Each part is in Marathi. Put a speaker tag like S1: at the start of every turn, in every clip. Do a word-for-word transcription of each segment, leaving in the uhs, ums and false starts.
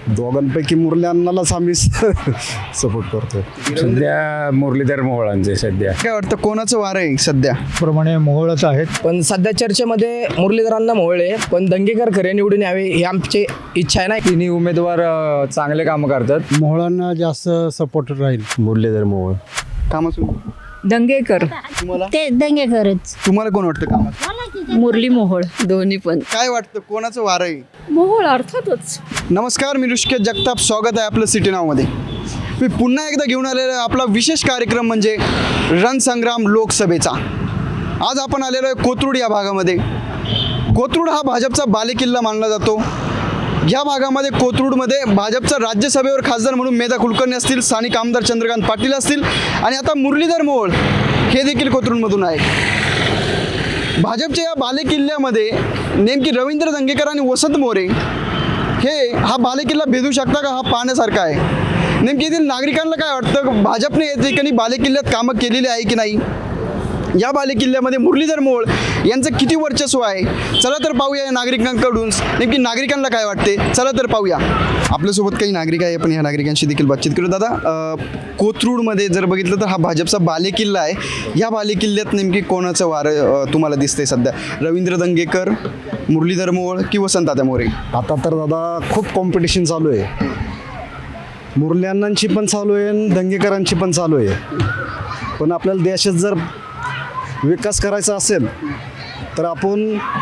S1: दोघांपैकी मुरली अण्णालाच आम्ही सपोर्ट करतोय.
S2: सध्या मुरलीधर मोहोळांचे सध्या
S3: काय वाटतं कोणाचं वार आहे सध्या?
S4: प्रमाणे मोहोळच आहेत.
S5: पण सध्या चर्चेमध्ये मुरलीधरांना मोहळे पण दंगेकर खरे निवडून यावे ही आमची इच्छा आहे. ना
S2: तिन्ही उमेदवार अ, चांगले कामं करतात.
S4: मोहोळांना जास्त सपोर्ट राहील.
S1: मुरलीधर मोहोळ.
S3: कामासून
S6: दंगेकर
S3: तुम्हाला
S6: ते दंगेकरच.
S3: तुम्हाला कोण वाटतं कामात?
S6: मुरली मोहोळ दोन्ही पण.
S3: काय वाटतं कोणाचं वार आहे?
S6: मोहोळ अर्थातच.
S3: नमस्कार, मी ऋषिकेश जगताप. स्वागत आहे आपलं सिटी नावमध्ये. मी पुन्हा एकदा घेऊन आलेला आहे आपला विशेष कार्यक्रम म्हणजे रणसंग्राम लोकसभेचा. आज आपण आलेलो आहे कोथरूड या भागामध्ये. कोथरूड हा भाजपचा बालेकिल्ला मानला जातो. या भागामध्ये कोथरूडमध्ये भाजपचा राज्यसभेवर खासदार म्हणून मेधा कुलकर्णी असतील, स्थानिक आमदार चंद्रकांत पाटील असतील आणि आता मुरलीधर मोहोळ हे देखील कोथरूडमधून आहे. भाजपच्या या बालेकिल्ल्यामध्ये नेमकी रवींद्र दंगेकर आणि वसंत मोरे हे हा बालेकिल्ला भेदू शकता का, हा पाहण्यासारखा आहे. नेमकी येथील नागरिकांना काय वाटतं, भाजपने या ठिकाणी बालेकिल्ल्यात कामं केलेली आहे की नाही, या बालेकिल्ल्यामध्ये मुरलीधर मोहोळ यांचं किती वर्चस्व आहे, चला तर पाहूया या नागरिकांकडून नेमकी नागरिकांना काय वाटते. चला तर पाहूया. आपल्यासोबत काही नागरिक आहे, आपण ह्या नागरिकांशी देखील बातचीत करू. दादा, अं, कोथरूडमध्ये जर बघितलं तर हा भाजपचा बालेकिल्ला आहे. या बालेकिल्ल्यात नेमकी कोणाचं वार अं, तुम्हाला दिसतंय सध्या? रवींद्र दंगेकर, मुरलीधर मोहोळ की वसंतदादा मोरे?
S1: आता तर दादा खूप कॉम्पिटिशन चालू आहे. मुरली अण्णांची पण चालू आहे आणि दंगेकरांची पण चालू आहे. पण आपल्याला देशात जर विकास करायचा असेल तर आपण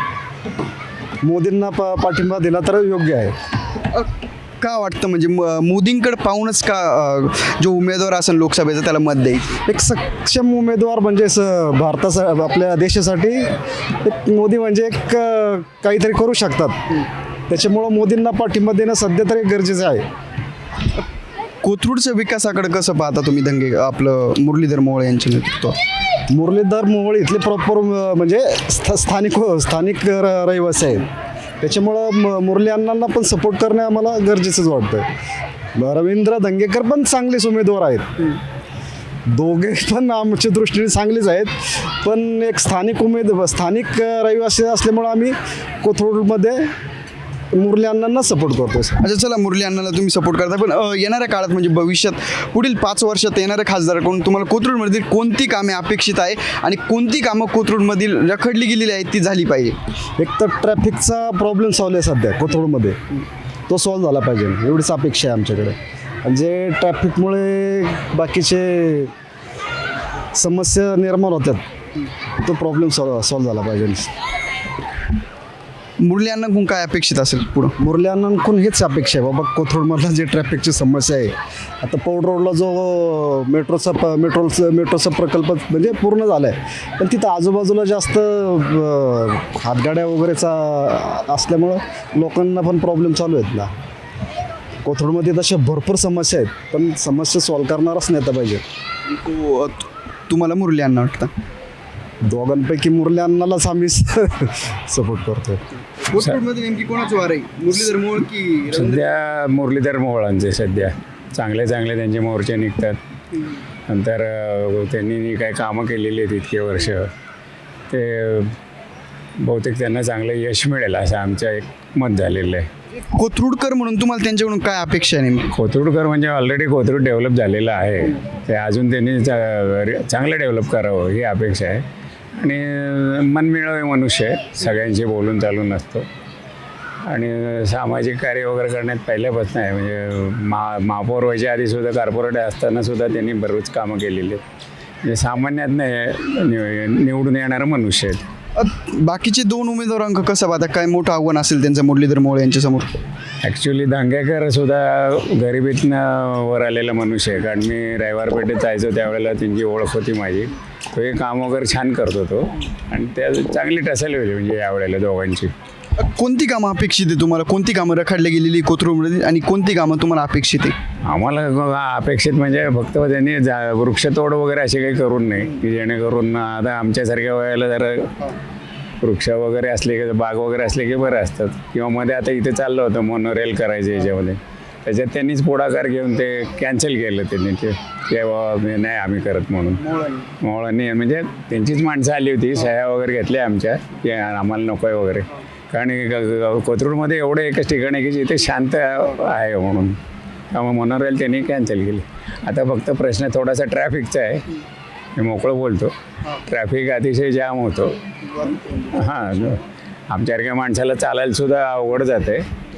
S1: मोदींना पा पाठिंबा दिला तर योग्य आहे.
S3: अ, का वाटतं म्हणजे म- मोदींकडे पाहूनच का अ, जो उमेदवार असेल लोकसभेचा त्याला मत देईल?
S1: एक सक्षम उमेदवार म्हणजे स भारताचा आपल्या देशासाठी एक मोदी म्हणजे एक अ, काहीतरी करू शकतात. त्याच्यामुळं मोदींना पाठिंबा देणं सध्या तरी गरजेचं आहे.
S3: कोथरूडच्या विकासाकडे कसं पाहता तुम्ही दंगे आपलं मुरलीधर मोहोळ यांचे नेतृत्व?
S1: मुरलीधर मोहोळ इथले प्रॉपर म्हणजे स्था स्थानिक स्थानिक र- रहिवासी आहेत. त्याच्यामुळं म मुरली अण्णांना पण सपोर्ट करणे आम्हाला गरजेचंच वाटतं. रवींद्र दंगेकर पण चांगलेच उमेदवार आहेत. दोघे पण आमच्या दृष्टीने चांगलेच आहेत. पण एक स्थानिक उमेद स्थानिक रहिवासी असल्यामुळं आम्ही कोथरूडमध्ये मुरली अण्णांना सपोर्ट करतो.
S3: अच्छा, चला, मुरली अण्णाला तुम्ही सपोर्ट करता, पण अ, येणाऱ्या काळात म्हणजे भविष्यात पुढील पाच वर्षात येणाऱ्या खासदाराकडून तुम्हाला कोथरूडमधील कोणती कामे अपेक्षित आहे आणि कोणती कामं कोथरूडमधील रखडली गेलेली आहेत ती झाली पाहिजे?
S1: एक तर ट्रॅफिकचा प्रॉब्लेम सॉल्व आहे सध्या कोथरूडमध्ये, तो सॉल्व झाला पाहिजे एवढीच अपेक्षा आहे आमच्याकडे. आणि जे ट्रॅफिकमुळे बाकीचे समस्या निर्माण होतात तो प्रॉब्लेम सॉल्व सॉल्व झाला पाहिजे.
S3: मुरली अण्णाकडून काय अपेक्षित असेल पुढं?
S1: मुरली अण्णांकडून हेच अपेक्षा आहे बाबा, कोथरूडमधला जे ट्रॅफिकची समस्या आहे, आता पौड रोडला जो मेट्रोचा प मेट्रोचा मेट्रोचा प्रकल्प म्हणजे पूर्ण झाला आहे, पण तिथं आजूबाजूला जास्त अ, हातगाड्या वगैरेचा असल्यामुळं लोकांना पण प्रॉब्लेम चालू आहेत ना. कोथरूडमध्ये तशा भरपूर समस्या आहेत, पण समस्या सॉल्व करणारच नेता पाहिजे.
S3: तो- तुम्हाला मुरली अण्णा वाटतं?
S1: दोघांपैकी मुरली अण्णालाच आम्ही सपोर्ट करतोय.
S3: कोथरूडमध्ये नेमकी कोणाचं वार आहे, मुरलीधर मोहोळ की
S2: सध्या मुरलीधर मोहोळांचे सध्या चांगले चांगले त्यांचे मोर्चे निघतात. नंतर अ, त्यांनी काही कामं केलेली आहेत इतके वर्ष, ते बहुतेक त्यांना चांगलं यश मिळेल असं आमचं एक मत झालेलं आहे.
S3: कोथरूडकर म्हणून तुम्हाला त्यांच्याकडून काय अपेक्षा आहे नेमकी?
S2: कोथरूडकर म्हणजे ऑलरेडी कोथरूड डेव्हलप झालेलं आहे, ते अजून त्यांनी चा- चांगलं डेव्हलप करावं ही अपेक्षा आहे. आणि मनमिळावे मनुष्य आहे, सगळ्यांशी बोलून चालून असतो आणि सामाजिक कार्य वगैरे करण्यात पहिल्यापासून आहे. म्हणजे मा महापौर व्हायच्या आधीसुद्धा कॉर्पोरेट असतानासुद्धा त्यांनी बरीच कामं केलेली आहेत. म्हणजे सामान्यात नाही निवडून येणारं मनुष्य आहेत.
S3: अ, बाकीचे दोन उमेदवारांक कसं पाहता, काय मोठं आव्हान असेल त्यांचं मुरलीधर मोहोळ यांच्यासमोर?
S2: ॲक्च्युली दंगेकर सुद्धा गरिबीतनं वर आलेला मनुष्य आहे. कारण मी रविवार पेठेत जायचो त्यावेळेला त्यांची ओळख होती माझी. तो हे काम वगैरे छान करतो तो, आणि त्या चांगली टसल होईल म्हणजे यावेळेला दोघांची.
S3: अ, कोणती कामं अपेक्षित आहे तुम्हाला? कोणती कामं रखडली गेलेली कोथरूडमध्ये आणि कोणती कामं तुम्हाला अपेक्षित आहे?
S2: आम्हाला अपेक्षित म्हणजे फक्त त्यांनी जा वृक्षतोड वगैरे असे काही करून नाही, की जेणेकरून आता आमच्यासारख्या वयाला जरा वृक्ष वगैरे असले की बाग वगैरे असले की बरं असतात. किंवा मध्ये आता इथे चाललं होतं मोनोरेल करायचं याच्यामध्ये, त्याच्यात त्यांनीच पुढाकार घेऊन ते कॅन्सल केलं त्यांनी, ते तेव्हा नाही आम्ही करत म्हणून मोहळांनी म्हणजे त्यांचीच माणसं आली होती, सह्या वगैरे घेतल्या आमच्या की आम्हाला नको आहे वगैरे. आणि ग- ग- कोथरूडमध्ये एवढं एकच ठिकाण आहे की जिथे शांत आहे म्हणून, त्यामुळे मोनोरेल त्यांनी कॅन्सल केली. आता फक्त प्रश्न थोडासा ट्रॅफिकचा आहे. मी मोकळं बोलतो, ट्रॅफिक अतिशय जाम होतो. हां, आमच्यासारख्या माणसाला चालायला सुद्धा अवघड जाते.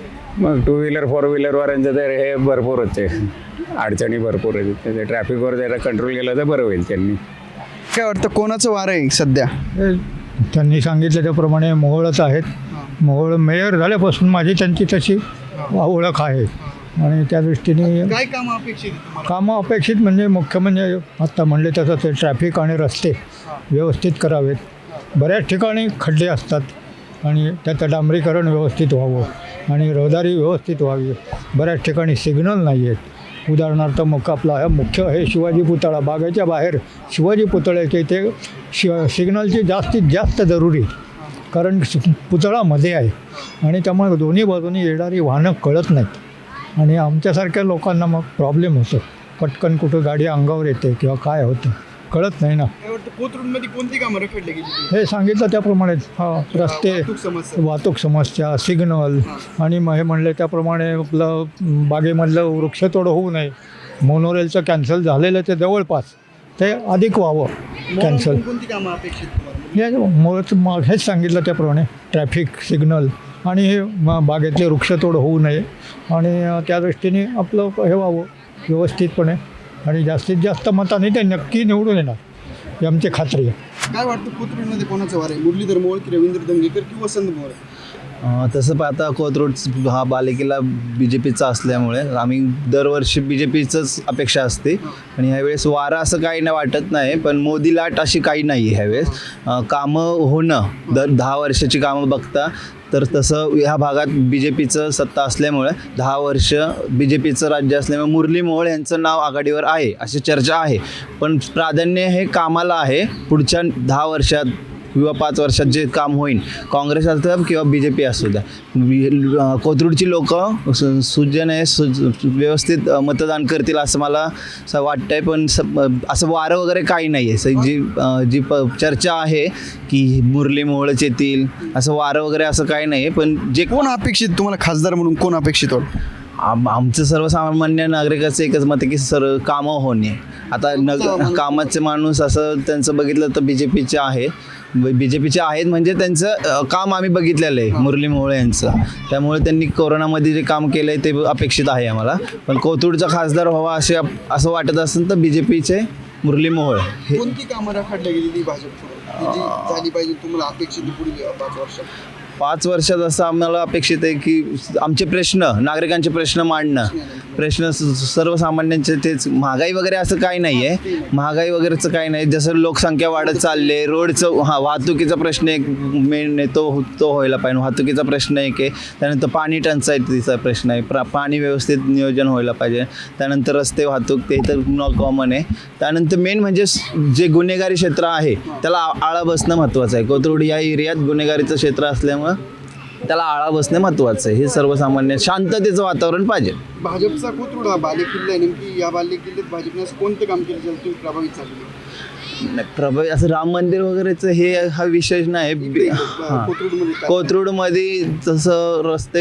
S2: मग टू व्हीलर फोर व्हीलरवाल्यांचं तर हे भरपूर होते, अडचणी भरपूर आहेत. ते ट्रॅफिकवर जरा कंट्रोल केलं तर बरं होईल. त्यांनी
S3: काय वाटतं कोणाचं वार आहे सध्या?
S4: हे त्यांनी सांगितलं त्याप्रमाणे मोहोळच आहेत. मोहोळ मेयर झाल्यापासून माझी त्यांची तशी ओळख आहे आणि त्या दृष्टीने
S3: काय काम अपेक्षित आहे तुम्हाला?
S4: कामं अपेक्षित म्हणजे मुख्य म्हणजे आत्ता म्हणले तसं ते ट्रॅफिक आणि रस्ते व्यवस्थित करावेत. बऱ्याच ठिकाणी खड्डे असतात आणि त्याचं डांबरीकरण व्यवस्थित व्हावं आणि रहदारी व्यवस्थित व्हावी. बऱ्याच ठिकाणी सिग्नल नाही आहेत. उदाहरणार्थ मग आपला हा मुख्य आहे शिवाजी पुतळा, बागेच्या बाहेर शिवाजी पुतळ्याच्या इथे शि सिग्नलची जास्तीत जास्त जरुरी, कारण सि- पुतळा मध्ये आहे आणि त्यामुळे दोन्ही बाजूनी येणारी वाहनं कळत नाहीत आणि आमच्यासारख्या लोकांना मग प्रॉब्लेम होतो. पटकन कुठं गाडी अंगावर येते किंवा काय होतं कळत नाही ना.
S3: काय वाटतं कोथरूडमध्ये कोणती कामं रखडली गेली?
S4: हे सांगितलं त्याप्रमाणे हा रस्ते,
S3: वाहतूक समस्या.
S4: वाहतूक समस्या, सिग्नल आणि मग हे म्हणले त्याप्रमाणे आपलं बागेमधलं वृक्षतोड होऊ नये. मोनोरेलचं कॅन्सल झालेलं ते जवळपास ते अधिक व्हावं कॅन्सल.
S3: म्हणून कोणती कामं अपेक्षित तुम्हाला?
S4: हे मुळात मग हेच सांगितलं त्याप्रमाणे ट्रॅफिक सिग्नल आणि हे म- बागेतले वृक्षतोड होऊ नये आणि अ, त्या दृष्टीने आपलं हे व्हावं व्यवस्थितपणे आणि जास्तीत जास्त मताने ते नक्की निवडून येणार ही आमची खात्री आहे.
S3: काय वाटतं कोथरूडमध्ये कोणाचं वार आहे? मुरलीधर मोहोळ की रवींद्र दंगेकर की वसंत मोहोळ?
S7: अं, तसं पाहता कोथरूड हा बालेकिल्ला बी जे पीचा असल्यामुळे आम्ही दरवर्षी बी जे पीचंच अपेक्षा असते आणि ह्यावेळेस वारा असं काही नाही वाटत नाही, पण मोदी लाट अशी काही नाही आहे ह्यावेळेस. अं, कामं होणं दर दहा वर्षाची कामं बघता तर तसं ह्या भागात बी जे पीचं सत्ता असल्यामुळे दहा वर्ष बी जे पीचं राज्य असल्यामुळे मुरली मोहोळ यांचं नाव आघाडीवर आहे अशी चर्चा आहे. पण प्राधान्य हे कामाला आहे. पुढच्या दहा वर्षात किंवा पाच वर्षात जे काम होईल, काँग्रेस असतं किंवा बी जे पी असू द्या, वि- अं, कोथरूडची लोकं सु सुजने सु व्यवस्थित अं, मतदान करतील असं मला असं वाटतं आहे. पण स असं वारं वगैरे काही नाही आहे. स- जी अं, जी प चर्चा आहे की मुरली मोहोळच येतील असं वारं वगैरे असं काही नाही आहे. पण जे
S3: कोण अपेक्षित तुम्हाला खासदार म्हणून कोण अपेक्षित होतं?
S7: आम आमचं सर्वसामान्य नागरिकाचं एकच मत आहे की सर्व कामं होणे. आता न कामाचे माणूस असं त्यांचं बघितलं तर बी जे पीचे आहे, बी जे पीचे आहेत म्हणजे त्यांचं अ, काम आम्ही बघितलेलं आहे मुरली मोहोळ यांचं. त्यामुळे त्यांनी कोरोनामध्ये जे काम केलं आहे ते अपेक्षित आहे आम्हाला. पण कोथरूडचा खासदार व्हावा असे आप- असं वाटत असेल तर बी जे पीचे मुरली मोहोळ हे
S3: कोणती कामं रखडली गेली भाजपकडून जी झाली पाहिजे तुम्हाला अपेक्षित आहे पुढील पाच वर्षात?
S7: पाच वर्षात असं आम्हाला अपेक्षित आहे की आमचे प्रश्न, नागरिकांचे प्रश्न मांडणं, प्रश्न स- सर्वसामान्यांचे तेच. महागाई वगैरे असं काही नाही आहे, महागाई वगैरेचं काही नाही. जसं लोकसंख्या वाढत चालले, रोडचं हा वाहतुकीचा प्रश्न एक मेन आहे, तो तो व्हायला पाहिजे. वाहतुकीचा प्रश्न एक आहे. त्यानंतर पाणी टंचाईचा प्रश्न आहे, प्रा पाणी व्यवस्थित नियोजन व्हायला पाहिजे. त्यानंतर रस्ते वाहतूक ते तर न कॉमन आहे. त्यानंतर मेन म्हणजे स- जे गुन्हेगारी क्षेत्र आहे त्याला आ- आळा बसणं महत्त्वाचं आहे. कोथरूड या एरियात गुन्हेगारीचं क्षेत्र असल्यामुळे त्याला आळा बसणे महत्त्वाचं आहे. हे सर्वसामान्य शांततेचं वातावरण पाहिजे.
S3: भाजपचा कोथरूड हा बालेकिल्ला आहे. नेमकी या बालेकिल्ल्यात भाजपने असं कोणतं काम केलं ज्याला तुम्ही प्रभावित झाले?
S7: नाही, प्रभावी असं राम मंदिर वगैरेचं हे हा विषय नाही. बी- हां.
S3: कोथरूडमध्ये काय?
S7: कोथरूडमध्ये जसं रस्ते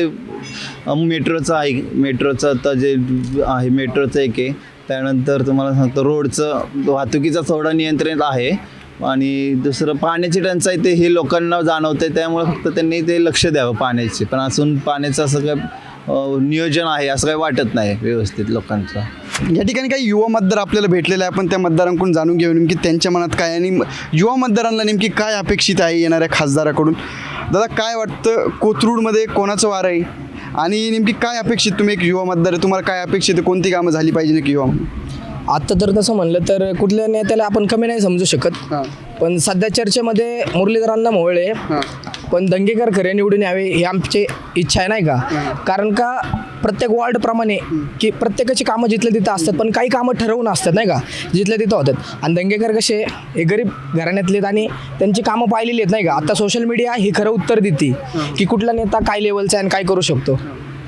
S7: अं, मेट्रोचं आहे, मेट्रोचं आता जे आहे मेट्रोचं एक आहे. त्यानंतर तुम्हाला सांगतो रोडचं वाहतुकीचं थोडं नियंत्रित आहे आणि दुसरं पाण्याची टंचाई ते हे लोकांना जाणवते. त्यामुळे फक्त त्यांनी ते लक्ष द्यावं पाण्याचे. पण असून पाण्याचं असं काय अं, नियोजन आहे असं काही वाटत नाही व्यवस्थित लोकांचं.
S3: या ठिकाणी काही युवा मतदार आपल्याला भेटलेले आहे. आपण त्या मतदारांकडून जाणून घेऊ नेमकी त्यांच्या मनात काय आणि युवा मतदारांना नेमकी काय अपेक्षित आहे येणाऱ्या खासदाराकडून. दादा काय वाटतं कोथरूडमध्ये कोणाचं वार आहे आणि नेमकी काय अपेक्षित, तुम्ही एक युवा मतदार आहे, तुम्हाला काय अपेक्षित आहे, कोणती कामं झाली पाहिजे नक्की युवा म्हणून?
S5: आत्ता तर तसं म्हणलं तर कुठल्या नेत्याला आपण कमी नाही समजू शकत.
S3: हां
S5: पण सध्या चर्चेमध्ये मुरलीधरांना मोहोळ आहे,
S3: हां
S5: पण दंगेकर खरे निवडून यावे ही आमची इच्छा आहे नाही का. कारण का प्रत्येक वॉर्डप्रमाणे की प्रत्येकाची कामं जिथल्या तिथं असतात, पण काही कामं ठरवून असतात नाही का, जिथल्या तिथं होतात. आणि दंगेकर कसे हे गरीब घराण्यातले आहेत आणि त्यांची कामं पाहिलेली आहेत नाही का. आता सोशल मीडिया ही खरं उत्तर देते की कुठला नेता काय लेवलचा आहे आणि काय करू शकतो.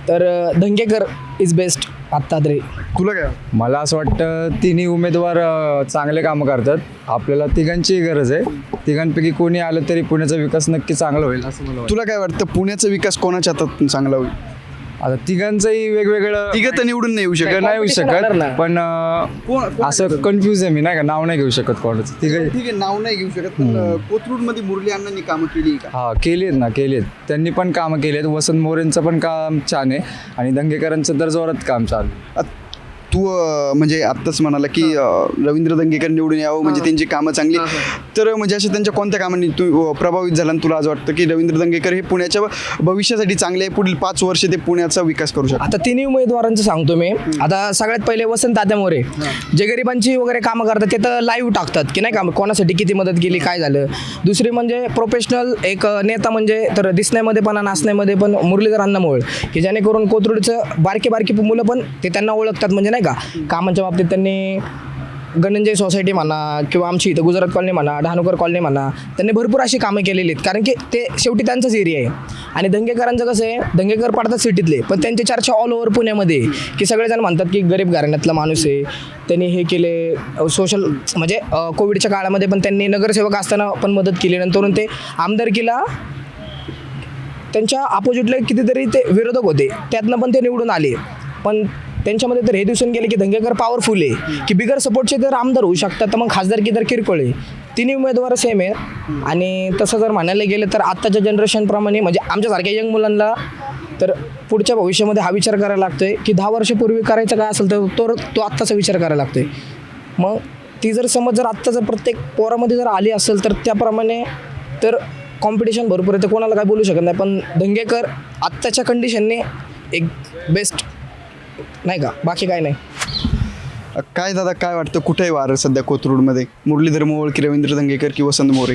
S5: तर अं, दंगेकर इज बेस्ट आत्ता तरी.
S3: तुला काय
S8: मला असं वाटतं तिन्ही उमेदवार अ, चांगले कामं करतात. आपल्याला तिघांचीही गरज आहे. तिघांपैकी कोणी आलं तरी पुण्याचा विकास नक्की चांगला होईल असं मला वाटतं.
S3: तुला काय वाटतं पुण्याचा विकास कोणाच्या हातात चांगला होईल?
S8: आता तिघांचंही वेगवेगळं
S3: तिघं तर निवडून नाही येऊ शकत.
S8: नाही येऊ
S5: competition होणार ना.
S8: शकत पण अ,
S3: कोण- कोण-
S8: असं कन्फ्यूज आहे मी नाही का, नाव नाही घेऊ शकत कोणाचं. तिघं
S3: ठीक आहे, नाव नाही घेऊ शकत पण कोथरूडमध्ये मुरली अण्णांनी कामं केली का?
S8: हा केली आहेत ना, केली आहेत. त्यांनी पण कामं केली आहेत. वसंत मोरेंचं पण काम छान आहे आणि दंगेकरांचं तर जोरात काम चालू आहे.
S3: अ, तू अ, म्हणजे आत्ताच म्हणाला की अ, रवींद्र दंगेकर निवडून यावं म्हणजे त्यांची कामं चांगली. तर म्हणजे अशा त्यांच्या कोणत्या कामांनी तू अ, प्रभावित झाला आणि तुला आज वाटतं की रवींद्र दंगेकर हे पुण्याच्या भविष्यासाठी चांगले आहे, पुढील पाच वर्ष ते पुण्याचा विकास करू शकतात?
S5: आता तिन्ही उमेदवारांचं सांगतो मी. आता सगळ्यात पहिले वसंत तात्या मोरे जे गरिबांची वगैरे कामं करतात ते तर लाईव्ह टाकतात की नाही का कोणासाठी किती मदत केली काय झालं. दुसरी म्हणजे प्रोफेशनल एक नेता म्हणजे तर दिसण्यामध्ये पण आणि नाचण्यामध्ये पण मुरलीधर अण्णा मोहोळ की जेणेकरून कोथरूडचं बारकी बारकी मुलं पण ते त्यांना ओळखतात म्हणजे नाही का. कामांच्या बाबतीत त्यांनी गणंजय सोसायटी म्हणा किंवा आमची इथं गुजरात कॉलनी म्हणा डहाणूकर कॉलनी म्हणा त्यांनी भरपूर अशी कामं केलेली आहेत कारण की ते शेवटी त्यांचाच एरिया आहे. आणि दंगेकरांचं कसं आहे दंगेकर पडतात सिटीतले पण त्यांची चर्चा ऑल ओव्हर पुण्यामध्ये की सगळेजण म्हणतात की गरीब घराण्यातला माणूस आहे. त्यांनी हे केले सोशल म्हणजे अ, कोविडच्या काळामध्ये पण त्यांनी नगरसेवक असताना पण मदत केली. नंतर ते आमदारकीला त्यांच्या अपोजिटला कितीतरी ते विरोधक होते त्यातनं पण ते निवडून आले. पण त्यांच्यामध्ये तर हे दिसून गेले की दंगेकर पॉवरफुल आहे की बिगर सपोर्टचे जर आमदार होऊ शकतात तर मग खासदारकी तर किरकोळ आहे. तिन्ही उमेदवार सेम आहे. आणि तसं जर म्हणायला गेलं तर आत्ताच्या जनरेशनप्रमाणे म्हणजे आमच्यासारख्या यंग मुलांना तर पुढच्या भविष्यामध्ये हा विचार करायला लागतोय की दहा वर्षापूर्वी करायचं काय असेल तर तो तो आत्ताचा विचार करायला लागतोय. मग ती जर समज जर आत्ता जर प्रत्येक पोरामध्ये जर आली असेल तर त्याप्रमाणे तर कॉम्पिटिशन भरपूर आहे तर कोणाला काय बोलू शकत नाही. पण दंगेकर आत्ताच्या कंडिशनने एक बेस्ट नाही का बाकी काय नाही.
S3: अ, काय दादा काय वाटतं कुठे आहे वारं सध्या कोथरूडमध्ये? मुरलीधर मोहोळ की रवींद्र दंगेकर की वसंत मोरे?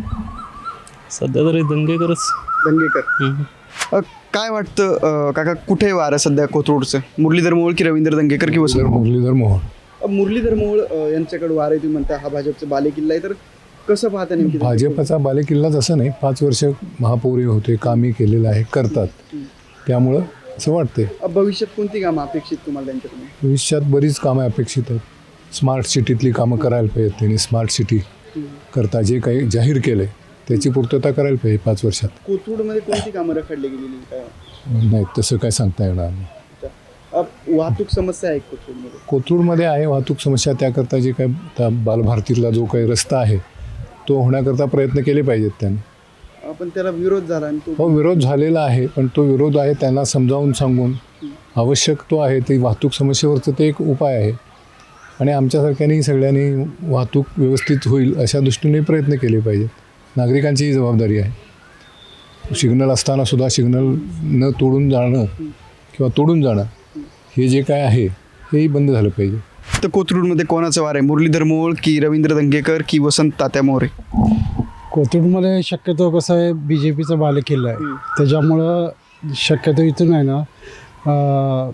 S9: सध्या तरी दंगेकरच.
S3: दंगेकर. अ, काय वाटतं अ, काका कुठे आहे वारं सध्या कोथरूडचं? मुरलीधर मोहोळ की रवींद्र दंगेकर की वसंत?
S10: मुरलीधर मोहोळ.
S3: अ, मुरलीधर मोहोळ अ, यांच्याकडे वारं आहे तुम्ही म्हणता हा भाजपचा बालेकिल्ला आहे तर कसं पाहता नेमकी?
S10: भाजपचा बालेकिल्लाच असं नाही, पाच वर्ष महापौरी होते, कामही केलेलं आहे, करतात, त्यामुळं असं वाटते.
S3: अ, भविष्यात कोणती कामं अपेक्षित तुम्हाला त्यांच्याकडून?
S10: भविष्यात बरीच कामं अपेक्षित आहेत. स्मार्ट सिटीतली कामं करायला पाहिजेत त्यांनी. स्मार्ट सिटी करता जे काही जाहीर केलं आहे त्याची पूर्तता करायला पाहिजे पाच वर्षात.
S3: कोथरूडमध्ये कोणती कामं रखडली गेलेली काय?
S10: नाही तसं काय सांगता येणार नाही.
S3: अ, वाहतूक समस्या आहे कोथरूडमध्ये?
S10: कोथरूडमध्ये आहे वाहतूक समस्या. त्याकरता जे काही आता बालभारतीतला जो काही रस्ता आहे तो होण्याकरता प्रयत्न केले पाहिजेत त्यांनी.
S3: पण त्याला विरोध झाला आणि तो
S10: हो विरोध झालेला आहे पण तो विरोध आहे त्यांना समजावून सांगून आवश्यक तो आहे ते वाहतूक समस्येवरचं ते एक उपाय आहे. आणि आमच्यासारख्यांनी सगळ्यांनी वाहतूक व्यवस्थित होईल अशा दृष्टीने प्रयत्न केले पाहिजेत. नागरिकांचीही जबाबदारी आहे. सिग्नल असतानासुद्धा सिग्नल न तोडून जाणं किंवा तोडून जाणं हे जे काय आहे हेही बंद झालं पाहिजे.
S3: तर कोथरूडमध्ये कोणाचं वार आहे? मुरलीधर मोहोळ की रवींद्र दंगेकर की वसंत तात्या मोरे?
S11: कोथरूडमध्ये शक्यतो कसं आहे बी जे पीचा बालेकिल्ला आहे त्याच्यामुळं शक्यतो इथून आहे ना अं,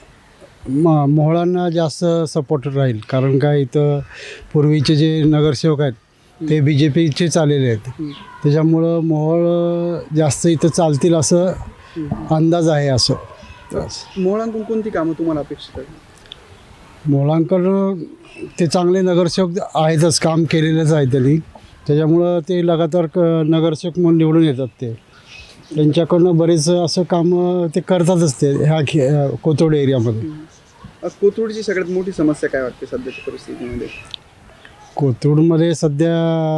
S11: म मोहळांना जास्त सपोर्ट राहील. कारण काय इथं पूर्वीचे जे नगरसेवक आहेत ते बी जे पीचेच आलेले आहेत त्याच्यामुळं मोहोळ जास्त इथं चालतील असं अंदाज आहे. असं
S3: मोहोळांकडून कोणती कामं तुम्हाला अपेक्षित आहे?
S11: मोहोळांकडं ते चांगले नगरसेवक आहेतच, काम केलेलंच आहे त्यांनी, त्याच्यामुळं ते लगातार क नगरसेवक म्हणून निवडून येतात. ते त्यांच्याकडनं बरेच असं कामं ते करतातच ते ह्या खे कोथरूड एरियामध्ये.
S3: अ, कोथरूडची सगळ्यात मोठी समस्या काय वाटते सध्याच्या परिस्थितीमध्ये?
S11: कोथरूडमध्ये सध्या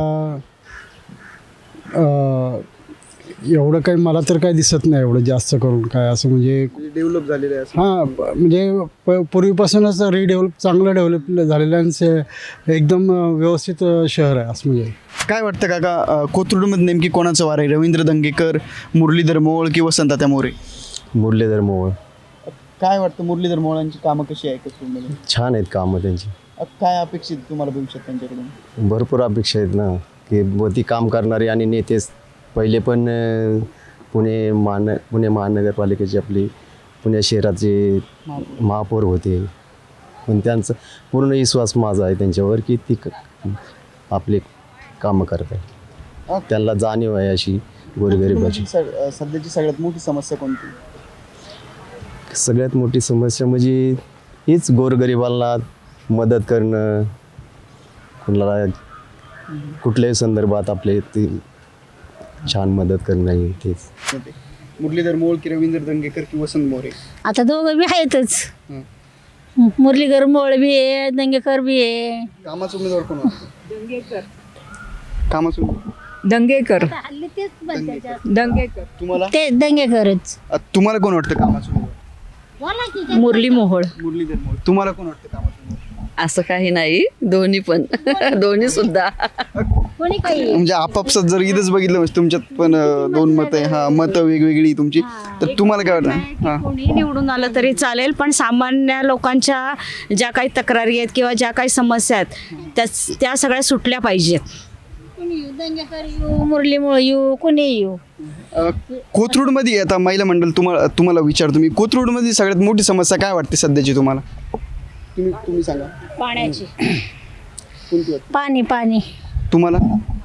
S11: अ, एवढं काही मला तर काही दिसत नाही एवढं जास्त करून काय असं म्हणजे
S3: डेव्हलप झालेलं आहे असं?
S11: हां म्हणजे प पूर्वीपासूनच रिडेव्हलप चांगलं डेव्हलप झालेलं आहे आणि एकदम व्यवस्थित शहर आहे असं म्हणजे.
S3: काय वाटतं काका अ, कोथरूडमध्ये नेमकी कोणाचं वार आहे? रवींद्र दंगेकर, मुरलीधर मोहोळ की वसंत तात्या मोरे?
S12: मुरलीधर मोहोळ.
S3: काय वाटतं मुरलीधर मोहोळांची कामं कशी आहे कोथरूडमध्ये?
S12: छान आहेत कामं त्यांची.
S3: अ, काय अपेक्षित तुम्हाला भविष्यात त्यांच्याकडून?
S12: भरपूर अपेक्षा आहेत ना की व ती काम करणारे आणि नेतेच पहिले पण अं, पुणे महान पुणे महानगरपालिकेचे आपली पुणे शहराचे महापौर होते पण त्यांचं पूर्ण विश्वास माझा आहे त्यांच्यावर की ती क आपले कामं करत आहे. त्यांना जाणीव आहे अशी गोरगरिबाची.
S3: सध्याची सगळ्यात मोठी समस्या कोणती?
S12: सगळ्यात मोठी समस्या म्हणजे हीच गोरगरिबांना मदत करणं, कुणाला कुठल्याही संदर्भात आपले ते छान मदत करणं आहे तेच.
S3: मुरलीधर मोहोळ की रवींद्र दंगेकर की वसंत मोरे?
S6: आता दोघं बी आहेतच. मुरलीधर मोळ बी आहे, दंगेकर बी आहे.
S3: कामाचा उमेदवार कोण वाटतं?
S6: दंगेकर.
S3: कामाचा उमेदवार
S6: दंगेकर दंगेकर
S3: तुम्हाला?
S6: ते दंगेकरच.
S3: अ, तुम्हाला कोण वाटतं कामाचा उमेदवार?
S6: मुरली मोहोळ.
S3: मुरलीधर मोहोळ. तुम्हाला कोण वाटतं कामाचा उमेदवार?
S6: असं काही नाही, दोन्ही पण दोन्ही सुद्धा कोणी काही.
S3: म्हणजे आपापसात जर इथंच बघितलं म्हणजे तुमच्यात पण अ, दोन मतं आहे. हा मतं वेगवेगळी तुमची, तर तुम्हाला काय वाटतं? हा
S6: कोणी निवडून आलं तरी चालेल, पण सामान्य लोकांच्या ज्या काही तक्रारी आहेत किंवा ज्या काही समस्या आहेत त्या त्या सगळ्या सुटल्या पाहिजेत. कोणी येऊ, दंगेकर येऊ, मुरली मोहोळ येऊ, कोणी येऊ.
S3: अ, कोथरूडमध्ये आता महिला मंडळ तुम्हाला तुम्हाला विचारतो मी, कोथरूडमध्ये सगळ्यात मोठी समस्या काय वाटते सध्याची तुम्हाला? तुम्ही तुम्ही सांगा.
S6: पाण्याची.
S3: कोणती वाटते
S6: पाणी पाणी
S3: तुम्हाला?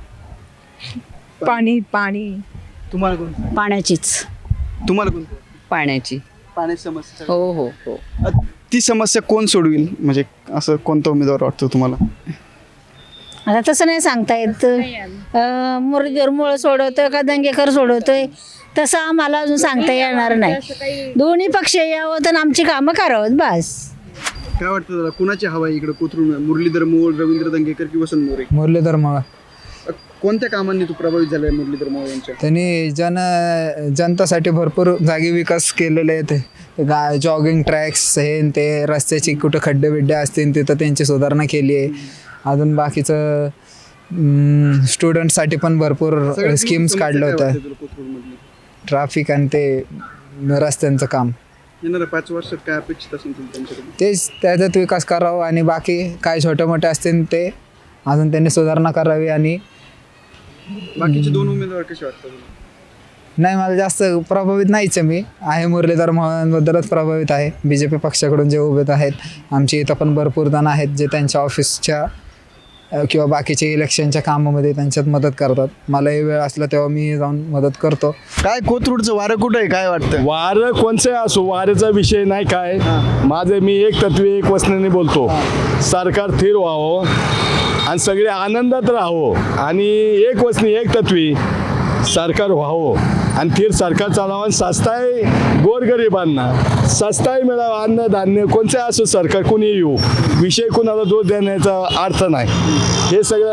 S5: पाणी पाणी
S3: तुम्हाला कोणती?
S6: पाण्याचीच.
S3: तुम्हाला कोणती?
S6: पाण्याची.
S3: पाण्याची समस्या.
S6: हो हो हो.
S3: अ, ती समस्या कोण सोडविल, म्हणजे असं कोणता उमेदवार वाटतो तुम्हाला?
S6: आता तसं नाही सांगता येत. अं, मुरलीधर मोहोळ सोडवतोय का दंगेकर सोडवतोय तसं आम्हाला अजून सांगता येणार नाही. दोन्ही पक्ष यावं तर आमची कामं करावं बस.
S3: काय वाटतं दादा, कुणाची हवा आहे इकडे कोथरूड? मुरलीधर मोहोळ, रवींद्र दंगेकर की वसंत मोरे?
S8: मुरलीधर मोहोळ.
S3: अ, कोणत्या कामांनी तू प्रभावित झालाय मुरलीधर मोहोळ यांच्या?
S8: त्यांनी जन जनतासाठी भरपूर जागी विकास केलेले आहेत. गा जॉगिंग ट्रॅक्स हे न ते, रस्त्याची कुठं खड्डे बिड्डे असतील तिथं त्यांची सुधारणा केली आहे. अजून बाकीचं स्टुडंटसाठी पण भरपूर
S3: सगळ्यात
S8: स्कीम्स
S3: मोठी
S8: काढल्या
S3: समस्या काय
S8: होत्या.
S3: वाटते तुला कोथरूडमधली?
S8: ट्रॅफिक आणि ते रस्त्यांचं काम,
S3: येणाऱ्या पाच वर्षात काय अपेक्षित असेल तुला त्यांच्याकडून?
S8: तेच त्याच्यात विकास करावा आणि बाकी काय छोटे मोठे असतील ते अजून त्यांनी सुधारणा करावी. आणि
S3: बाकीचे दोन उमेदवार कसे वाटतात तुला?
S8: नाही, मला जास्त प्रभावित नाहीच आहे. मी आहे मुरलीधर मोहोळांबद्दलच प्रभावित आहे. बी जे पी पक्षाकडून जे उभे आहेत, आमची इथं पण भरपूर जण आहेत जे त्यांच्या ऑफिसच्या अ, किंवा बाकीचे इलेक्शनच्या कामामध्ये त्यांच्यात मदत करतात. मलाही वेळ असला तेव्हा मी जाऊन मदत करतो.
S3: काय कोथरूडचं वारं कुठं आहे, काय वाटतं?
S13: वारं कोणचं असो, वाऱ्याचा विषय नाही काय. माझं मी एक तत्वे एक वचनाने बोलतो, सरकार स्थिर व्हावं आणि सगळे आनंदात राहावं आणि एक वचनी एक तत्वी सरकार व्हावं आणि स्थिर सरकार चालावं आणि सस्ताही गोरगरिबांना सस्ताही मिळावं. अन्नधान्य कोणचं असो, सरकार कोणी येऊ, विषय कोणाला दोष देण्याचा अर्थ नाही. हे सगळं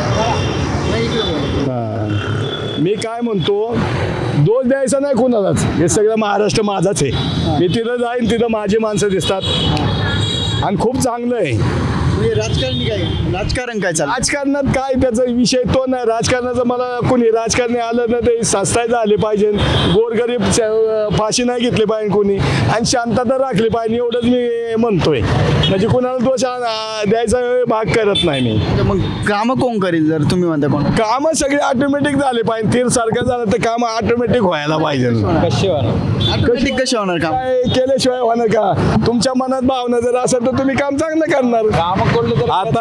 S13: हां, मी काय म्हणतो, दोष द्यायचा नाही कोणालाच. हे सगळं महाराष्ट्र माझाच आहे. मी तिथं जाईन, तिथं माझी माणसं दिसतात आणि खूप चांगलं आहे.
S3: म्हणजे राजकारणी काय, राजकारण काय चाललं?
S13: राजकारणात काय त्याचा विषय तो नाही. राजकारणाचं मला कोणी राजकारणी आलं ना ते सस्ताय झाले पाहिजे, गोरगरीब च- फाशी नाही घेतली पाहिजे कोणी, आणि शांतता राखली पाहिजे, एवढंच मी म्हणतोय. म्हणजे कोणाला दोष आ- द्यायचा भाग करत नाही मी.
S3: तर मग कामं कोण करेल जर तुम्ही म्हणता कोण?
S13: कामं सगळे ऑटोमॅटिक झाले पाहिजे. तीर सारखं झालं तर कामं ऑटोमॅटिक व्हायला पाहिजे.
S3: ऑटोमॅटिक कसे होणार काम?
S13: काय केल्याशिवाय होणार का? तुमच्या मनात भावना जर असेल तर तुम्ही काम चांगलं करणार. आता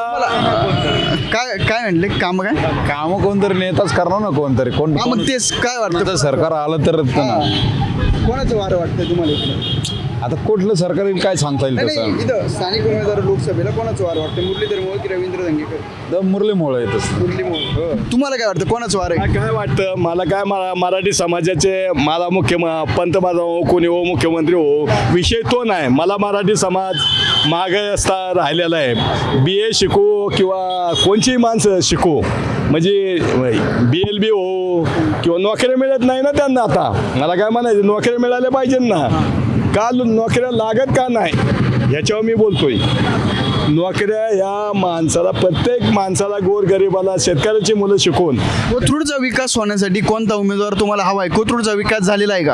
S3: काय काय म्हणले काम काय?
S7: कामं कोणतरी नेताच करणार ना, कोणतरी कोण
S3: हा, मग तेच काय वाटतं?
S7: कोणतं सरकार आलं तर
S3: कोणाचं वारं वाटतंय तुम्हाला इकडे?
S7: आता कुठलं सरकार येईल काय सांगता येईल
S3: नाही,
S7: तसं.
S3: नाही, इथं स्थानिक उमेदवार लोकसभेला कोणाचं वारं वाटतं? मुरलीधर मोहोळ की रवींद्र दंगेकर?
S7: द मुरली मोहोळ येतच.
S3: मुरली मोहोळ. तुम्हाला काय वाटतं, कोणाचं वारं आहे?
S13: मला काय वाटतं, मला काय मरा मराठी समाजाचे मला मुख्य पंतप्रधान हो, कोणी हो, मुख्यमंत्री हो, विषय तो नाही. मला मराठी समाज मागे असता राहिलेला आहे. बी ए शिकू किंवा कोणचीही माणसं शिकू, म्हणजे बी एल बी हो किंवा नोकऱ्या मिळत नाही ना त्यांना. आता मला काय म्हणायचं, नोकऱ्या मिळाल्या पाहिजे ना. का नोकऱ्या लागत का नाही याच्यावर मी बोलतोय. नोकऱ्या या माणसाला, प्रत्येक माणसाला, गोरगरिबाला, शेतकऱ्याची मुलं शिकवून
S3: कोथरूडचा विकास होण्यासाठी कोणता उमेदवार तुम्हाला हवा आहे? कोथरूडचा विकास झालेला आहे का?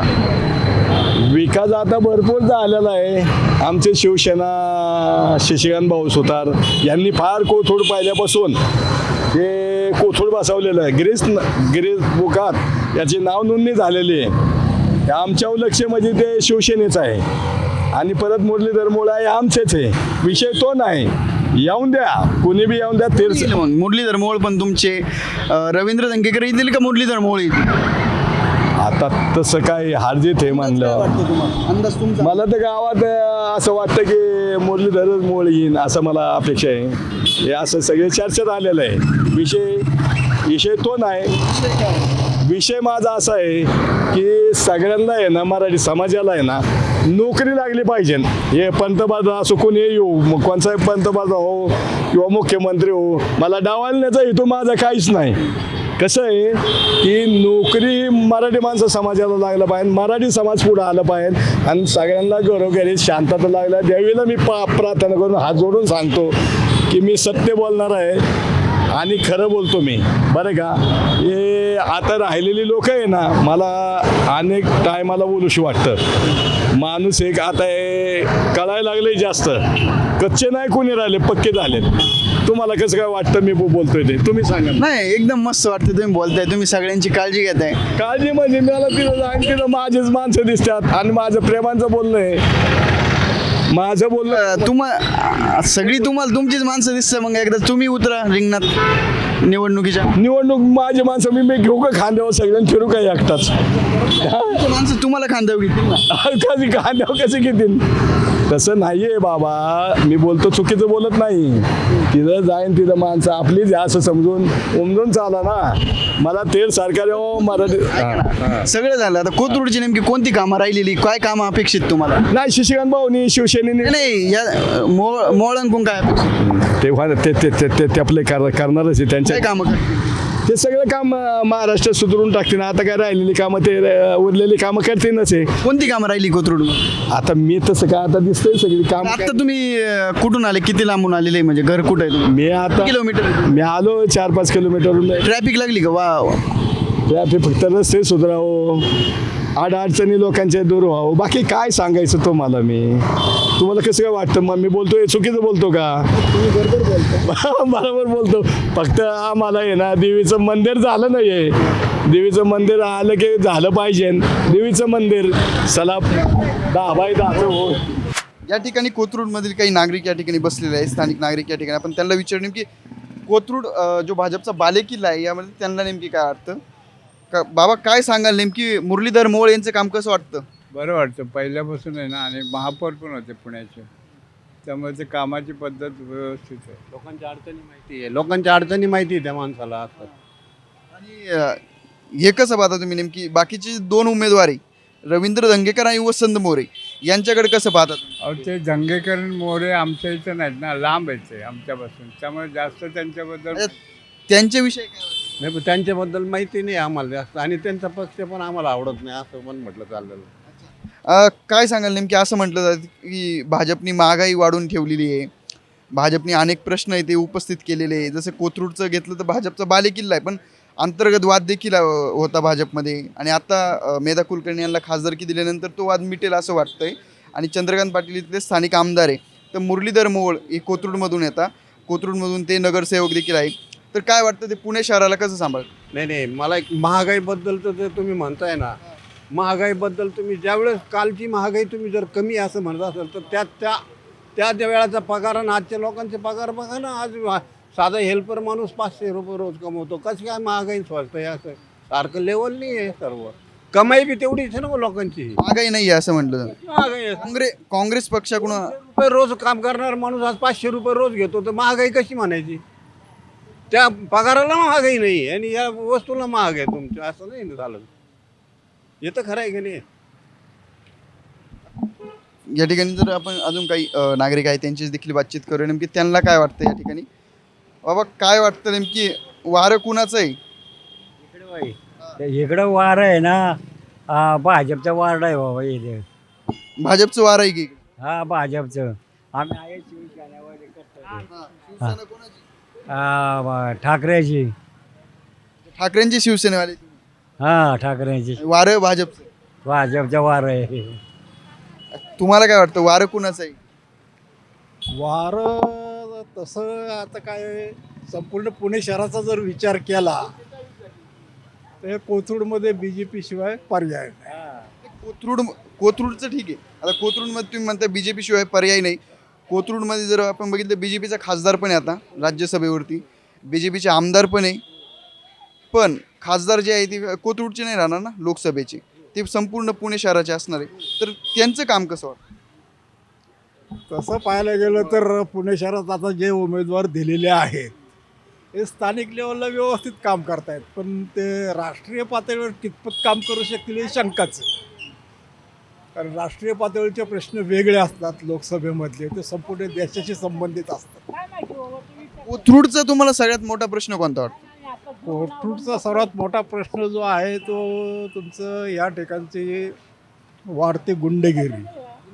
S13: विकास आता भरपूर झालेला आहे. आमचे शिवसेना शशिकांत भाऊ सुतार यांनी फार कोथरूड पाहिल्यापासून हे कोथरूड बसवलेलं आहे. गिरीश गिरीश बुकात याची नाव नोंदणी झालेली आहे. आमच्यावर लक्ष म्हणजे ते शिवसेनेचं आहे आणि परत मुरलीधर मोहोळ आहे आमचेच आहे. विषय तो नाही. येऊन द्या, कुणी बी येऊन द्या. तीर
S3: मग मुरलीधर मोहोळ पण तुमचे अं, रवींद्र दंगेकर येतील का मुरलीधर मोहोळ येतील?
S13: आता तसं काय हारजीत हे मानलं
S3: वाटतं तुम्हाला अंदाज तुमचा
S13: मला तर गावात अं, असं वाटतं की मुरलीधरच मोळ येईन असं मला अपेक्षा आहे. हे असं सगळे चर्चेत आलेलं आहे. विषय विषय तो नाही. विषय माझा असा आहे की सगळ्यांना आहे ना, मराठी समाजाला आहे ना नोकरी लागली पाहिजे. हे पंतप्रधान असो कोणी येऊ, मग कोणताही पंतप्रधान हो किंवा मुख्यमंत्री हो, मला डावलण्याचा हेतू माझा काहीच नाही. कसं आहे की नोकरी मराठी माणसं समाजाला लागलं पाहिजे, मराठी समाज पुढं आलं पाहिजे आणि सगळ्यांना घरोघरी शांतता लागल्या देवीला मी पा प्रार्थना करून हात जोडून सांगतो की मी सत्य बोलणार आहे आणि खरं बोलतो मी, बरं का. हे आता राहिलेली लोक आहे ना, मला अनेक टायमाला बोलूशी वाटतं. माणूस एक आता हे कळायला लागले जास्त, कच्चे नाही कोणी राहिले, पक्के झालेत. तुम्हाला कसं काय वाटतं मी बो- बोलतोय ते तुम्ही सांगा ना.
S3: नाही एकदम मस्त वाटतं तुम्ही बोलताय, तुम्ही सगळ्यांची काळजी घेताय.
S13: काळजी म्हणजे मला तिथं जाईन तिथं माझेच माणसं दिसतात आणि माझं प्रेमाचं बोलणं आहे, माझं बोलणं.
S3: अं, तुम्हा सगळी तुम्हाला तुमचीच माणसं दिसतं. मग एकदा तुम्ही उतरा रिंगणात निवडणुकीच्या.
S13: निवडणूक माझी माणसं मी मी घेऊ का खांद्यावर सगळ्यांना फिरू का एकटाच?
S3: तुमची माणसं तुम्हाला खांद्यावर घेतील ना.
S13: कधी खांद्यावर कसे घेतील? तसं नाही आहे बाबा, मी बोलतो चुकीचं बोलत नाही. तिथं जाईन तिथं माणसं आपलीच आहे असं समजून उमजून चाला ना. मला तेल सरकार हो मराठी हां.
S3: सगळं झालं. आता कोथरूडची नेमकी कोणती कामं राहिलेली, काय कामं अपेक्षित तुम्हाला?
S13: नाही शशिकांत भाऊनी शिवसेनेने
S3: नाही या मोळ मोळांकून काय अपेक्षित,
S13: तेव्हा ते ते ते ते ते आपले कर करणारच आहे त्यांच्या
S3: काय कामं करतील?
S13: ते सगळं काम अं, महाराष्ट्र सुधारून टाकतील. आता काय राहिलेली कामं ते अं, उरलेली कामं करतीलच आहे.
S3: कोणती कामं राहिली कोथरूड?
S13: आता मी तसं काय आता दिसतंय सगळी काम.
S3: आता तुम्ही अं, कुठून आले, किती लांबून आलेले, म्हणजे घर कुठं आहे तुम्ही?
S13: मी आता
S3: किलोमीटर
S13: मी आलो चार पाच किलोमीटरहून.
S3: ट्रॅफिक लागली का? वा वा.
S13: ट्रॅफिक फक्त रस्ते सुधारावं, अडचणी लोकांच्या दूर व्हावं, बाकी काय सांगायचं तुम्हाला मी. तुम्हाला कसं काय वाटतं मग मी बोलतोय चुकीचं बोलतो का? बरोबर बोलतो. बरोबर बोलतो. फक्त आम्हाला आहे ना देवीचं मंदिर झालं नाही आहे. देवीचं मंदिर आलं की झालं पाहिजे. देवीचं मंदिर चला दहा बाय दहाचं हो.
S3: या ठिकाणी कोथरूडमधील काही नागरिक या ठिकाणी बसलेले आहेत, स्थानिक नागरिक या ठिकाणी. आपण त्यांना विचारू नेमकी कोथरूड अं, जो भाजपचा बालेकिल्ला आहे यामध्ये त्यांना नेमकी काय वाटतं. का बाबा काय सांगाल, नेमकी मुरलीधर मोहोळ यांचं काम कसं वाटतं?
S2: बरं वाटतं. पहिल्यापासून आहे ना, आणि महापौर पण होते पुण्याचे, त्यामुळे ते कामाची पद्धत व्यवस्थित आहे.
S9: लोकांच्या अडचणी माहिती आहे, लोकांच्या अडचणी माहिती आहे त्या माणसाला असतात.
S3: आणि अं, हे कसं पाहता तुम्ही, नेमकी बाकीचे दोन उमेदवारी रवींद्र धंगेकर आणि वसंत मोरे यांच्याकडे कसं पाहता तुम्ही?
S2: अहो ते दंगेकर मोरे आमच्या इथं नाहीत ना, लांब आहेत ते आमच्यापासून, त्यामुळे जास्त त्यांच्याबद्दल
S3: आता त्यांच्याविषयी काय वाटतं?
S9: नाही पण त्यांच्याबद्दल माहिती नाही आम्हाला जास्त, आणि त्यांचा पक्ष पण आम्हाला आवडत नाही असं पण म्हटलं चाललेलं.
S3: अं, काय सांगाल, नेमकी असं म्हटलं जातं की भाजपनी महागाई वाढवून ठेवलेली आहे, भाजपने अनेक प्रश्न आहे ते उपस्थित केलेले आहे. जसं कोथरूडचं घेतलं तर भाजपचा बालेकिल्ला आहे, पण अंतर्गत वाद देखील अं, होता भाजपमध्ये. आणि आता अं, मेधा कुलकर्णी यांना खासदारकी दिल्यानंतर तो वाद मिटेल असं वाटतंय. आणि चंद्रकांत पाटील इथले स्थानिक आमदार आहे, तर मुरलीधर मोहोळ हे कोथरूडमधून येतात, कोथरूडमधून ते नगरसेवक देखील आहे. तर काय वाटतं ते पुणे शहराला कसं सांभाळ?
S9: नाही नाही मला एक महागाईबद्दल तर ते तुम्ही म्हणताय ना, महागाईबद्दल तुम्ही ज्यावेळेस कालची महागाई तुम्ही जर कमी असं म्हणत असाल तर त्या त्या त्या त्या वेळाचा पगार आणि आजच्या लोकांचे पगार बघा ना. आज साधा हेल्पर माणूस पाचशे रुपये रोज कमवतो, कसं काय महागाई स्वस्त आहे असं सारखं लेवल नाही आहे. सर्व कमाई बी तेवढीच आहे ना लोकांची.
S3: महागाई नाही आहे असं म्हटलं जातं.
S9: महागाई आहे.
S3: काँग्रेस काँग्रेस पक्षाकडून
S9: रुपये रोज काम करणार माणूस आज पाचशे रुपये रोज घेतो, तर महागाई कशी म्हणायची? त्या पगाराला महागाई नाही आणि या वस्तूला महाग आहे तुमच्या, असं नाही ना झालं. हे तर खरं आहे की नाही.
S3: या ठिकाणी जर आपण अजून काही अ, नागरिक आहेत त्यांची देखील बातचीत करूया, नेमकी त्यांना काय वाटतं या ठिकाणी. बाबा काय वाटतं, नेमकी वारं कुणाचं आहे?
S14: इकडं वार आहे ना, हा भाजपचा वार्ड आहे बाबा इथे.
S3: भाजपचं वारं आहे की?
S14: हा भाजपचं. आम्ही आहे शिवसेनेवाले करतो.
S3: शिवसेना कोणाची?
S14: हा बा- ठाकरेची.
S3: ठाकरेंची शिवसेनेवाले.
S14: हा ठाकरेची.
S3: वारं भाजपचं.
S14: भाजपचा वार आहे.
S3: तुम्हाला काय वाटतं वारं कुणाचं आहे?
S11: वारं तसं आता काय संपूर्ण पुणे शहराचा जर विचार केला तर कोथरूडमध्ये बी जे पी शिवाय पर्याय नाही.
S3: कोथरूड कोथरूडचं ठीक आहे. आता कोथरूडमध्ये तुम्ही म्हणता बी जे पी शिवाय पर्याय नाही. कोथरूडमध्ये जर आपण बघितलं बी जे पीचा खासदार पण आहे आता राज्यसभेवरती, बी जे पीचे आमदार पण आहे, पण खासदार जे आहे ते कोथरूडचे नाही राहणार ना लोकसभेचे, ते संपूर्ण पुणे शहराचे असणार आहे, तर त्यांचं काम कसं वाटतं?
S9: तसं पाहायला गेलं तर पुणे शहरात आता जे उमेदवार दिलेले आहेत हे स्थानिक लेवलला व्यवस्थित काम करतायत, पण ते राष्ट्रीय पातळीवर कितपत काम करू शकतील हे शंकाच आहे. कारण राष्ट्रीय पातळीचे प्रश्न वेगळे असतात लोकसभेमधले, ते संपूर्ण देशाशी संबंधित असतात.
S3: कोथरूडचा तुम्हाला सगळ्यात मोठा प्रश्न कोणता वाटतो?
S9: कोथरूडचा सर्वात मोठा प्रश्न जो आहे तो तुमचं या ठिकाणची वाढती गुंडगिरी,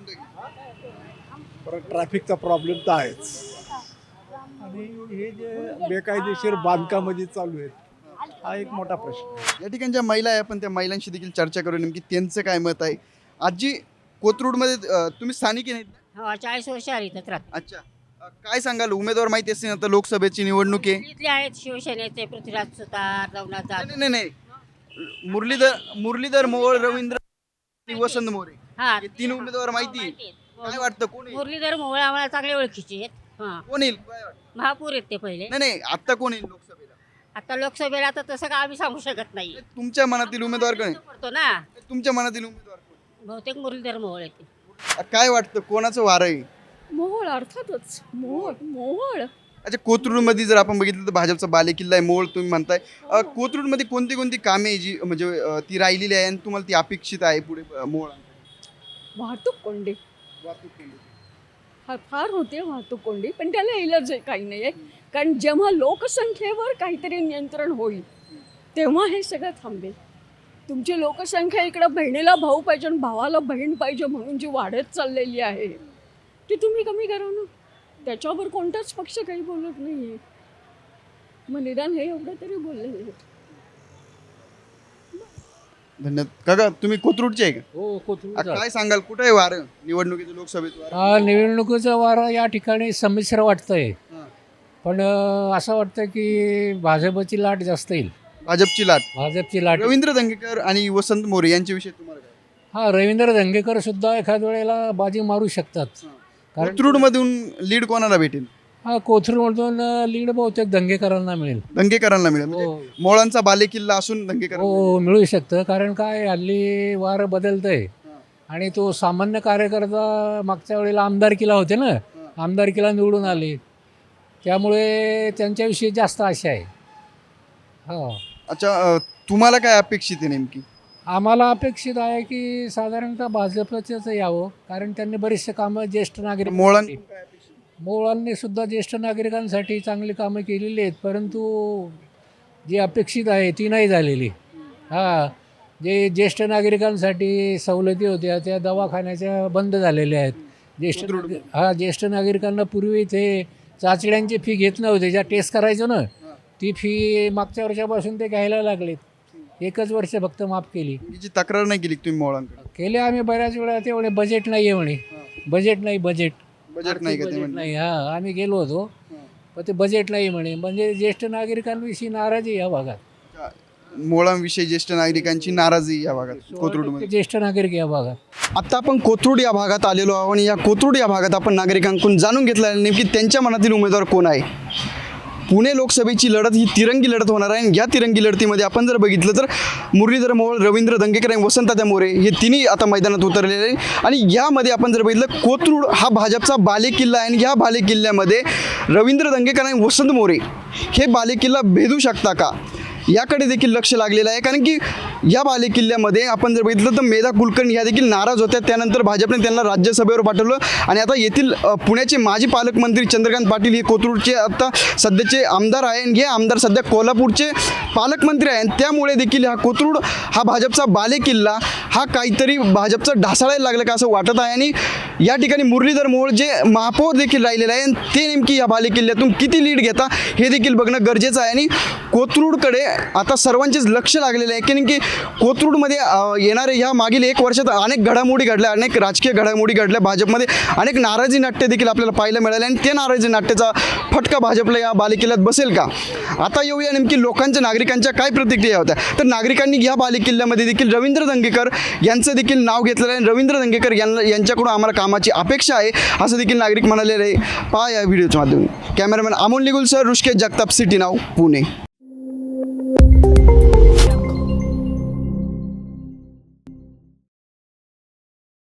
S9: परत ट्रॅफिकचा प्रॉब्लेम तर आहेच, आणि हे जे बेकायदेशीर बांधकामं जी चालू आहेत हा एक मोठा प्रश्न.
S3: या ठिकाणी ज्या महिला आहे आपण त्या महिलांशी देखील चर्चा करू, नेमकी त्यांचं काय मत आहे. आजी, कोथरूडमध्ये अं, तुम्ही स्थानिक नाहीत ना?
S15: हो, चाळीस वर्ष आली तर राहत.
S3: अच्छा, अं, काय सांगाल, उमेदवार माहिती असते ना, आता लोकसभेची निवडणूक आहे.
S15: इथले आहेत शिवसेनेचे पृथ्वीराज सुतार, नवनाथ जाधव.
S3: नाही नाही नाही मुरलीधर मुरलीधर मोहोळ, रवींद्र आणि वसंत मोरे,
S15: हा,
S3: हे तीन उमेदवार माहिती आहे. काय वाटतं कोण येईल?
S15: मुरलीधर मोहोळ आम्हाला चांगले ओळखीचे आहेत. हा,
S3: कोण येईल काय वाटतं?
S15: महापूर आहेत ते पहिले.
S3: नाही नाही आता कोण येईल लोकसभेला?
S15: आता लोकसभेला तर तसं का आम्ही सांगू शकत नाही.
S3: तुमच्या मनातील उमेदवार कोण आहे?
S15: पडतो ना,
S3: तुमच्या मनातील उमेदवार कोण?
S15: बहुतेक मुरलीधर मोहोळ येते.
S3: काय वाटतं कोणाचं वारं आहे?
S16: मोहोळ, अर्थातच मोहोळ. मोहोळ
S3: अच्छा, कोथरूडमध्ये जर आपण बघितलं तर भाजपचा बालेकिल्ला आहे मोहोळ तुम्ही म्हणताय. अ, कोथरूडमध्ये कोणती कोणती कामे आहे जी म्हणजे अ, ती राहिलेली आहे आणि तुम्हाला ती अपेक्षित आहे पुढे अ, मोहोळ?
S16: वाहतूक कोंडी
S3: वाहतूक केंद्र.
S16: हा फार होते वाहतूक कोंडी, पण त्याला इलाज आहे काही नाही आहे. कारण जेव्हा लोकसंख्येवर काहीतरी नियंत्रण होईल तेव्हा हे सगळं थांबेल. तुमची लोकसंख्या इकडं बहिणीला भाऊ पाहिजे आणि भावाला बहीण पाहिजे म्हणून जी वाढत चाललेली आहे ती तुम्ही कमी करा ना. त्याच्यावर कोणताच पक्ष काही बोलत नाही आहे. मग निदान हे एवढं तरी बोललेले आहेत.
S3: धन्यवाद. काका, तुम्ही कोथरूडचे आहे का?
S14: हो,
S3: अ,
S14: कोथरूड.
S3: काय सांगाल, कुठं आहे वारं निवडणुकीचं, लोकसभेचं वारं?
S14: हा, निवडणुकीचं वारं या ठिकाणी संमिश्र वाटतंय,
S3: हां.
S14: पण अं, असं वाटतं की भाजपची लाट जास्त येईल.
S3: भाजपची लाट,
S14: भाजपची लाट.
S3: रवींद्र दंगेकर आणि वसंत मोरे यांच्याविषयी तुम्हाला काय?
S14: हा, रवींद्र धंगेकर सुद्धा एखाद वेळेला बाजी मारू शकतात. कारण
S3: कोथरूडमधून लीड कोणाला भेटेल?
S14: हा, कोथरूडमधून लीड बहुतेक दंगेकरांना मिळेल.
S3: दंगेकरांना मिळेल. म्हणजे
S14: हो.
S3: मोळांचा बालेकिल्ला असून दंगेकर.
S14: हो, मिळू शकतं. कारण काय, हल्ली वारं बदलतंय आणि तो सामान्य कार्यकर्ता मागच्या वेळेला आमदारकीला होते ना, आमदारकीला निवडून आले, त्यामुळे त्यांच्याविषयी जास्त आशा आहे. हो,
S3: अच्छा, अ, तुम्हाला काय अपेक्षित आहे नेमकी?
S14: आम्हाला अपेक्षित आहे की साधारणतः भाजपचंच यावं, कारण त्यांनी बरेचसे कामं ज्येष्ठ नागरिक
S3: मोळां
S14: मोळांनी सुद्धा ज्येष्ठ नागरिकांसाठी चांगली कामं केलेली आहेत, परंतु जी अपेक्षित आहे ती नाही झालेली. हां, जे ज्येष्ठ नागरिकांसाठी सवलती होत्या त्या दवाखान्याच्या बंद झालेल्या आहेत. ज्येष्ठ नागरिक हा ज्येष्ठ नागरिकांना पूर्वी ते चाचण्यांची फी घेत नव्हते, ज्या टेस्ट करायचो ना, ती फी मागच्या वर्षापासून ते घ्यायला लागलेत. एकच वर्ष फक्त माफ केली.
S3: जी तक्रार नाही केली तुम्ही मोळांकडे?
S14: केले आम्ही बऱ्याच वेळा. ते म्हणे बजेट नाही आहे म्हणे. बजेट नाही, बजेट
S3: बजेट नाही का ते
S14: बजेट
S3: म्हणजे?
S14: नाही. हां, आम्ही गेलो होतो, पण ते बजेट नाही म्हणे. म्हणजे ज्येष्ठ नागरिकांविषयी नाराजी या भागात.
S3: मोळांविषयी ज्येष्ठ नागरिकांची नाराजी या भागात कोथरूडमध्ये.
S14: ज्येष्ठ नागरिक या भागात.
S3: आता आपण कोथरूड या भागात आलेलो आहोत आणि या कोथरूड या भागात आपण नागरिकांकडून जाणून घेतलं आहे नेमकी त्यांच्या मनातील उमेदवार कोण आहे. पुणे लोकसभेची लढत ही तिरंगी लढत होणार आहे आणि या तिरंगी लढतीमध्ये आपण जर बघितलं तर मुरलीधर मोहोळ, रवींद्र दंगेकर आणि वसंतदादा मोरे हे तिन्ही आता मैदानात उतरलेले आहे. आणि यामध्ये आपण जर बघितलं, कोथरूड हा भाजपचा बालेकिल्ला आहे आणि या बालेकिल्ल्यामध्ये रवींद्र दंगेकर आणि वसंत मोरे हे बालेकिल्ला भेदू शकता का, याकडे देखील लक्ष लागलेलं आहे. कारण की या बालेकिल्ल्यामध्ये आपण जर बघितलं तर मेधा कुलकर्णी ह्या देखील नाराज होत्या. त्यानंतर भाजपने त्यांना राज्यसभेवर पाठवलं आणि आता येथील अ, पुण्याचे माजी पालकमंत्री चंद्रकांत पाटील हे कोथरूडचे आता सध्याचे आमदार आहे आणि हे आमदार सध्या कोल्हापूरचे पालकमंत्री आहे. त्यामुळे देखील हा कोथरूड हा भाजपचा बालेकिल्ला हा काहीतरी भाजपचा ढासळायला लागला का असं वाटत आहे. आणि या ठिकाणी मुरलीधर मोहोळ जे महापौर देखील राहिलेले आहे ते नेमकी या बालेकिल्ल्यातून किती लीड घेता हे देखील बघणं गरजेचं आहे. आणि कोथरूडकडे आता सर्वांचेच लक्ष लागलेलं आहे की कोथरूडमध्ये येणारे ह्या मागील एक वर्षात अनेक घडामोडी घडल्या, अनेक राजकीय घडामोडी घडल्या, भाजपमध्ये अनेक नाराजी नाट्य देखील आपल्याला पाहायला मिळाले आणि ते नाराजी नाट्याचा फटका भाजपला या बालेकिल्ल्यात बसेल का. आता येऊया नेमकी लोकांच्या, नागरिकांच्या काय प्रतिक्रिया होत्या. तर नागरिकांनी या बालेकिल्ल्यामध्ये देखील रवींद्र दंगेकर यांचं देखील नाव घेतलेलं आहे. रवींद्र दंगेकर यांना यांच्याकडून आम्हाला कामाची अपेक्षा आहे असं देखील नागरिक म्हणालेले आहे. पहा या व्हिडिओच्या माध्यमातून. Cameraman Amol Nigul sir, Hrishikesh Jagtap, city नाव, पुणे.